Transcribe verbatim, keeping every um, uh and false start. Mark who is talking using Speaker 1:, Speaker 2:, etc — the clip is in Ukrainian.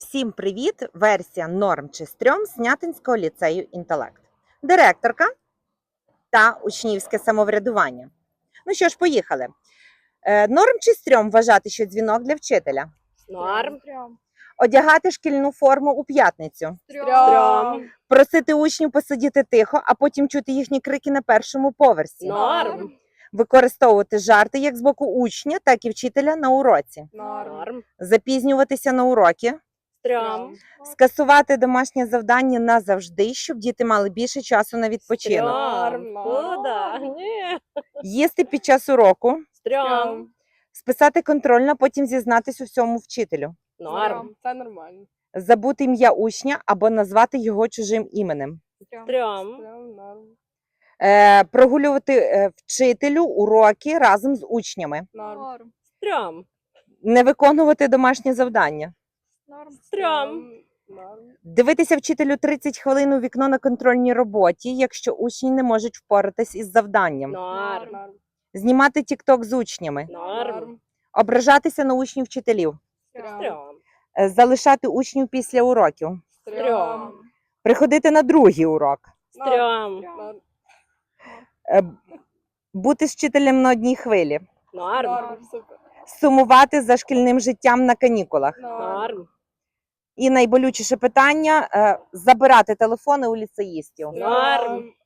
Speaker 1: Всім привіт! Версія «Норм чи стрьом» Снятинського ліцею «Інтелект». Директорка та учнівське самоврядування. Ну що ж, поїхали. Е, Норм чи стрьом вважати, що дзвінок для вчителя?
Speaker 2: Норм.
Speaker 1: Одягати шкільну форму у п'ятницю?
Speaker 2: Стрьом.
Speaker 1: Просити учнів посидіти тихо, а потім чути їхні крики на першому поверсі?
Speaker 2: Норм.
Speaker 1: Використовувати жарти як з боку учня, так і вчителя на уроці?
Speaker 2: Норм.
Speaker 1: Запізнюватися на уроки?
Speaker 2: Стрьом.
Speaker 1: Скасувати домашнє завдання назавжди, щоб діти мали більше часу на відпочинок?
Speaker 2: Стрьом. Куда? Ні.
Speaker 1: Їсти під час уроку?
Speaker 2: Стрьом.
Speaker 1: Списати контрольно, потім зізнатись у всьому вчителю?
Speaker 2: Норм.
Speaker 3: Це нормально.
Speaker 1: Забути ім'я учня або назвати його чужим іменем?
Speaker 2: Стрьом.
Speaker 3: Прям норм.
Speaker 1: Е, прогулювати е, вчителю уроки разом з учнями?
Speaker 3: Норм.
Speaker 2: Стрьом.
Speaker 1: Не виконувати домашнє завдання?
Speaker 3: Норм.
Speaker 2: Стрьом.
Speaker 3: Норм.
Speaker 1: Дивитися вчителю тридцять хвилин у вікно на контрольній роботі, якщо учні не можуть впоратись із завданням?
Speaker 2: Норм.
Speaker 3: Норм.
Speaker 1: Знімати тік-ток з учнями?
Speaker 2: Норм.
Speaker 1: Ображатися на учнів вчителів?
Speaker 2: Стрьом.
Speaker 1: Е, Залишати учнів після уроків?
Speaker 2: Стрьом.
Speaker 1: Приходити на другий урок?
Speaker 2: Стрьом.
Speaker 3: Норм.
Speaker 1: Е, Бути з вчителем на одній хвилі?
Speaker 2: Норм.
Speaker 3: Норм. Супер.
Speaker 1: Сумувати за шкільним життям на канікулах?
Speaker 2: Норм.
Speaker 1: І найболючіше питання – е, забирати телефони у ліцеїстів.
Speaker 2: Норм.